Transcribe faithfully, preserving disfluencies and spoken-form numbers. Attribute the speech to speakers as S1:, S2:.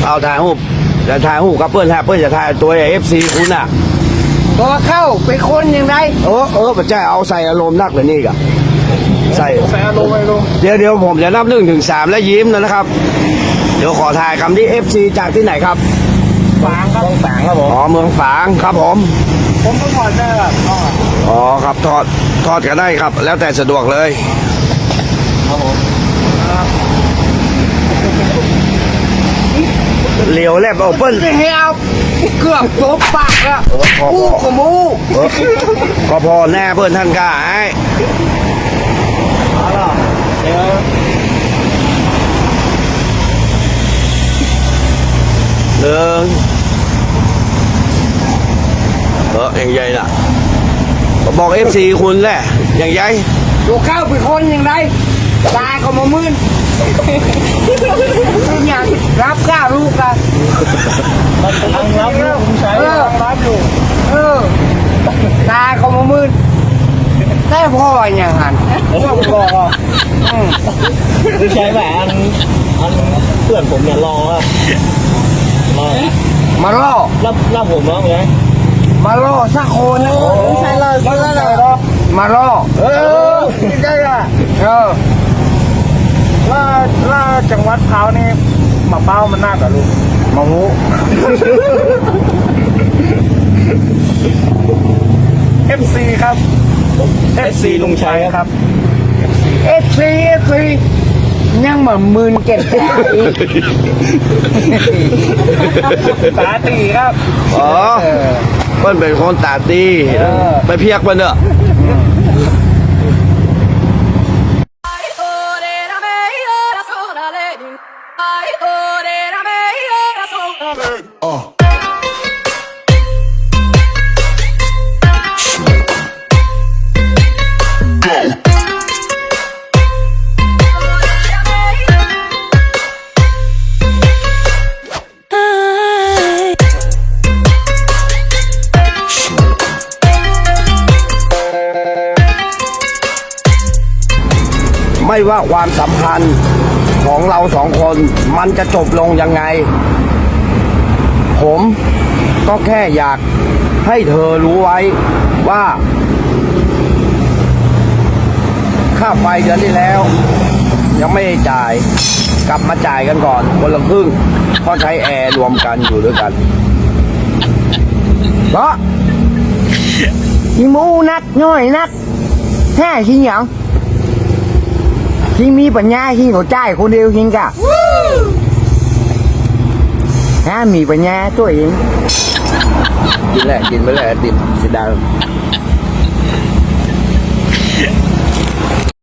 S1: เอาถ่ายรูปจะถ่ายรูปกับเพื่อนแทบเพื่อนจะถ่ายตัวเอฟซีคุณอ่ะ
S2: ตัวเข้าเป็นคนยังไง
S1: เออเออปัจจัยเอาใส่อารมณ์นักเลยนี่กะใส่
S3: ใส่อารมณ์ไปลง
S1: เดี๋ยวเดี๋ยวผมจะนับหนึ่งถึงสามแล้วยิ้มนะครับ เดี๋ยวขอถ่ายคำที่เอฟซีจากที่ไหนครับ
S3: ฝางครับฝางครับผม
S1: อ๋อเมืองฝางครับผม
S3: ผมก็ถอดได้แบบ
S1: อ๋อครับทอดทอดกันได้ครับ แล้วแต่สะดวกเลย
S3: ครับผม
S1: เหลียวแลบเอาเปิ้ล
S2: จะให้เอาเกือบตบปากแล้ว
S1: เออขอ
S2: มู
S1: พอ
S2: กับมู
S1: เออก็พอแน่เพื่อนท่านกล้าไอ้
S3: เอาล่ะเดี๋ยว
S1: หนึ่งเอออย่างใหญ่น่ะบอกเอฟซีคุณแหละอย่างใหญ่
S2: ตัวเข้าเป็นคนยังไงตายก็มามื่นเป็นอย่างรับกล้าลูกกัน
S3: มันกำลังรับลูกผมใช้กำลังรับอยู่
S2: เออตายก็มามื่นแต่พ่ออย่างหัน
S3: แล้วก็บอกว่า
S2: อืม
S3: ผมใช้แหวนอันเพื่อนผมเนี่ยรอครับรอ
S2: มาล่อ
S3: รับรับผมแล้วไง
S2: มาล่อสักคนนะ
S3: ใช่เลยใช่เลย
S2: มาล่อ
S3: เออใช่อะ
S2: เออ
S3: ล่าล่าจังหวัดเขานี่มาเป้ามันน่ากับลูก
S2: มาหู
S3: เอฟซีครับเอฟซีลุงชัยครับ
S2: เอฟซีเอฟซียังเหมือนมืนเก็บแผลอีก
S3: ตาตีครับ
S1: อ๋อเปิ้ลเป็นคนตาดีไปเพียกมันเนอะ
S4: Ai torera me ora sola lady. Ai torera me ora sola lady. Ai.
S1: ไม่ว่าความสัมพันธ์ของเราสองคนมันจะจบลงยังไง ผมก็แค่อยากให้เธอรู้ไว้ว่า ค่าไฟเดือนที่แล้ว ยังไม่ได้จ่ายกลับมาจ่ายกันก่อนคนละครึ่งเพราะใช้แอร์รวมกันอยู่ด้วยกัน
S2: เพราะที่มูนักน้อยนักแท้ที่หยังที่มีปัญญาที่เขาจ่ายคนเดียวจริงกะถ้ามีปัญญาตัวเอง
S1: กินแหละกินไปแหละติดสีดา